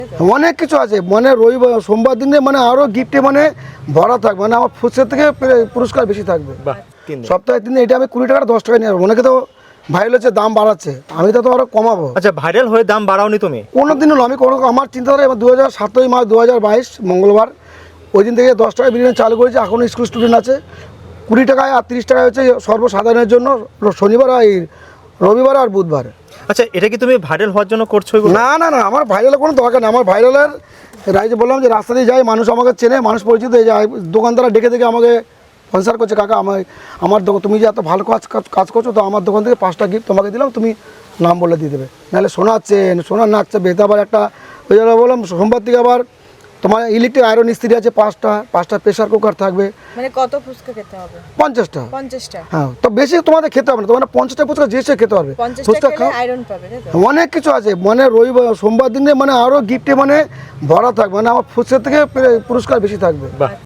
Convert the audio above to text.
অনেক কিছু আছে মানে রবিবার সোমবার দিনে মানে আরও গিফটে মানে ভরা থাকবে মানে আমার ফুচকার থেকে পুরস্কার বেশি থাকবে। বাহ, 3 দিন। সপ্তাহে 3 দিন এটা আমি 20 টাকা 10 টাকা নিয়ে যাবো। অনেকে তো ভাইরাল হচ্ছে দাম বাড়াচ্ছে, আমি তো আরও কমাবো। আচ্ছা, ভাইরাল হয়ে দাম বাড়াওনি তুমি? কোনো দিন হলো আমি কোনো আমার চিন্তাধারা 2017 মার্চ 2022 মঙ্গলবার ওই দিন থেকে 10 টাকা বিরিয়ানি চালু করেছি। এখন স্কুল স্টুডেন্ট আছে 20 টাকায়, আর 30 টাকায় হচ্ছে সর্বসাধারণের জন্য শনিবার আর রবিবার আর বুধবার। আচ্ছা, এটা কি তুমি ভাইরাল হওয়ার জন্য করছো এগুলো? না না না, আমার ভাইরালের কোনো দরকার নেই। আমার ভাইরালের রাইজে বললাম যে রাস্তা দিয়ে যাই, মানুষ আমাকে চেনে, মানুষ পরিচিত হয়ে যায়, দোকানদাররা ডেকে দেখে আমাকে স্পন্সার করছে, কাকা আমার দোকান তুমি যে এত ভালো কাজ করছো, তো আমার দোকান থেকে 5টা গিফট তোমাকে দিলাম, তুমি নাম বলে দিয়ে দেবে। নাহলে সোনার নাচছে বেতা। আবার একটা ওই জন্য বললাম সোমবার থেকে আবার তোমার ইলেকট্রিক আয়রন ইস্ত্রি আছে 5টা প্রেসার কুকার থাকবে। মানে কত ফুচকা খেতে হবে? 50টা। 50টা? হ্যাঁ, তো বেশি তোমাদের খেতে হবে না, তোমার 50টা ফুচকা যে সে খেতে পারবে। 50টা খেলে আয়রন পাবে, তাই তো? অনেক কিছু আছে মানে রবিবার সোমবার দিনে মানে আরও গিফটে মানে ভরা থাকবে মানে আমার ফুচকার থেকে পুরস্কার বেশি থাকবে। বাহ।